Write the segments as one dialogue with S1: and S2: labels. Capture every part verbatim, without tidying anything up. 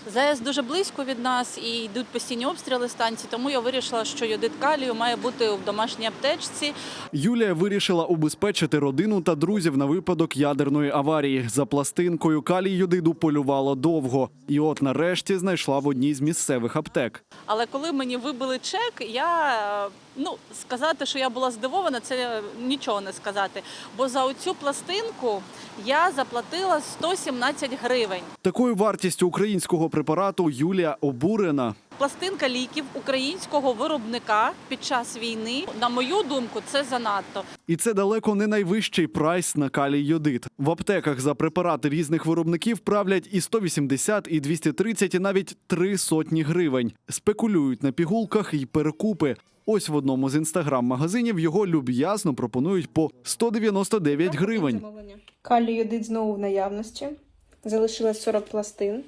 S1: ЗАЕС дуже близько від нас і йдуть постійні обстріли станції, тому я вирішила, що йодид калію має бути в домашній аптечці.
S2: Юлія вирішила убезпечити родину та друзів на випадок ядерної аварії. За пластинкою калій йодиду полювала довго. І от нарешті знайшла в одній з місцевих аптек.
S1: Але коли мені вибили чек, я, ну, сказати, що я була здивована, це нічого не сказати. Бо за оцю пластинку я заплатила сто сімнадцять гривень.
S2: Такою вартістю українського препарату Юлія обурена.
S1: Пластинка ліків українського виробника під час війни, на мою думку, це занадто.
S2: І це далеко не найвищий прайс на калій-йодид. В аптеках за препарати різних виробників правлять і сто вісімдесят, і двісті тридцять, і навіть три сотні гривень. Спекулюють на пігулках і перекупи. Ось в одному з інстаграм-магазинів його люб'язно пропонують по сто дев'яносто дев'ять гривень.
S3: Калій-йодид знову в наявності. Залишилось сорок пластин.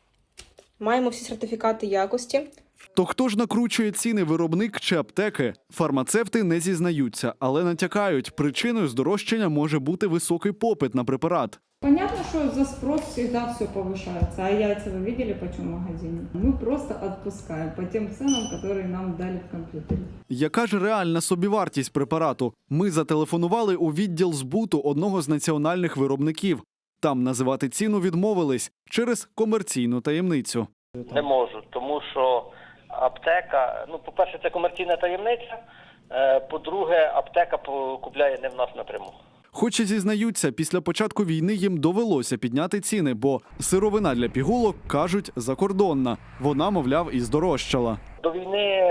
S3: Маємо всі сертифікати якості.
S2: То хто ж накручує ціни, виробник чи аптеки? Фармацевти не зізнаються, але натякають, причиною здорожчання може бути високий попит на препарат.
S4: Понятно, что за спрос всегда все повышается, а яйца вы видели почем в магазине? Мы просто отпускаем по тем ценам, которые нам дали в компьютере.
S2: Яка ж реальна собівартість препарату? Ми зателефонували у відділ збуту одного з національних виробників. Там називати ціну відмовились через комерційну таємницю.
S5: Не можу, тому що аптека, ну, по-перше, це комерційна таємниця, по-друге, аптека купляє не в нас напряму.
S2: Хоч і зізнаються, після початку війни їм довелося підняти ціни, бо сировина для пігулок, кажуть, закордонна. Вона, мовляв, і здорожчала.
S5: До війни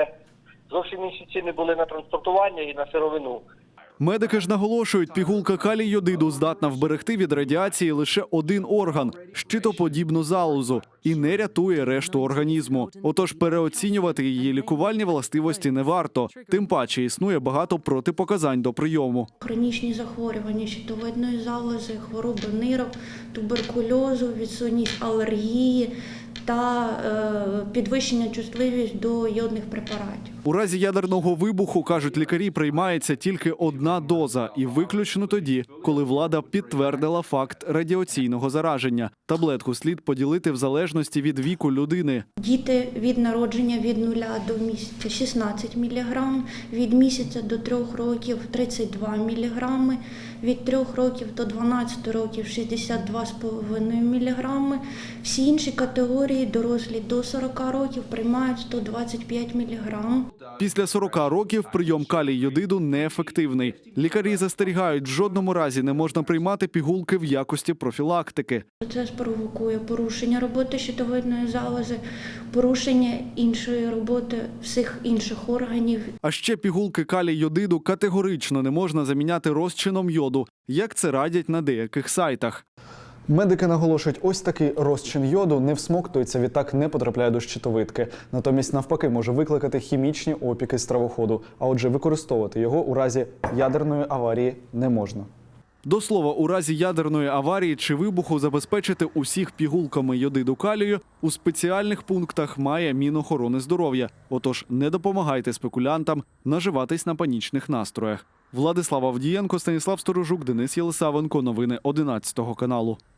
S5: зовсім інші ціни були на транспортування і на сировину.
S2: Медики ж наголошують, пігулка калій-йодиду здатна вберегти від радіації лише один орган – щитоподібну залозу, і не рятує решту організму. Отож переоцінювати її лікувальні властивості не варто. Тим паче існує багато протипоказань до прийому.
S6: Хронічні захворювання щитовидної залози, хвороби нирок, туберкульозу, відсутність алергії та е, підвищення чутливість до йодних препаратів.
S2: У разі ядерного вибуху, кажуть лікарі, приймається тільки одна доза. І виключно тоді, коли влада підтвердила факт радіаційного зараження. Таблетку слід поділити в залежності від віку людини.
S6: Діти від народження від нуля до місяця шістнадцять міліграм, від місяця до трьох років тридцять два міліграми, від трьох років до дванадцяти років шістдесят два цілих п'ять десятих міліграми. Всі інші категорії дорослі до сорока років приймають сто двадцять п'ять міліграм.
S2: Після сорока років прийом калій-йодиду неефективний. Лікарі застерігають, в жодному разі не можна приймати пігулки в якості профілактики.
S6: Це спровокує порушення роботи щитовидної залози, порушення іншої роботи всіх інших органів.
S2: А ще пігулки калій-йодиду категорично не можна заміняти розчином йоду, як це радять на деяких сайтах. Медики наголошують, ось такий розчин йоду не всмоктується, відтак не потрапляє до щитовидки. Натомість, навпаки, може викликати хімічні опіки стравоходу. А отже, використовувати його у разі ядерної аварії не можна. До слова, у разі ядерної аварії чи вибуху забезпечити усіх пігулками йодиду калію у спеціальних пунктах має Мінохорони здоров'я. Отож, не допомагайте спекулянтам наживатись на панічних настроях. Владислав Авдієнко, Станіслав Сторожук, Денис Єлисавенко. Новини одинадцятого каналу.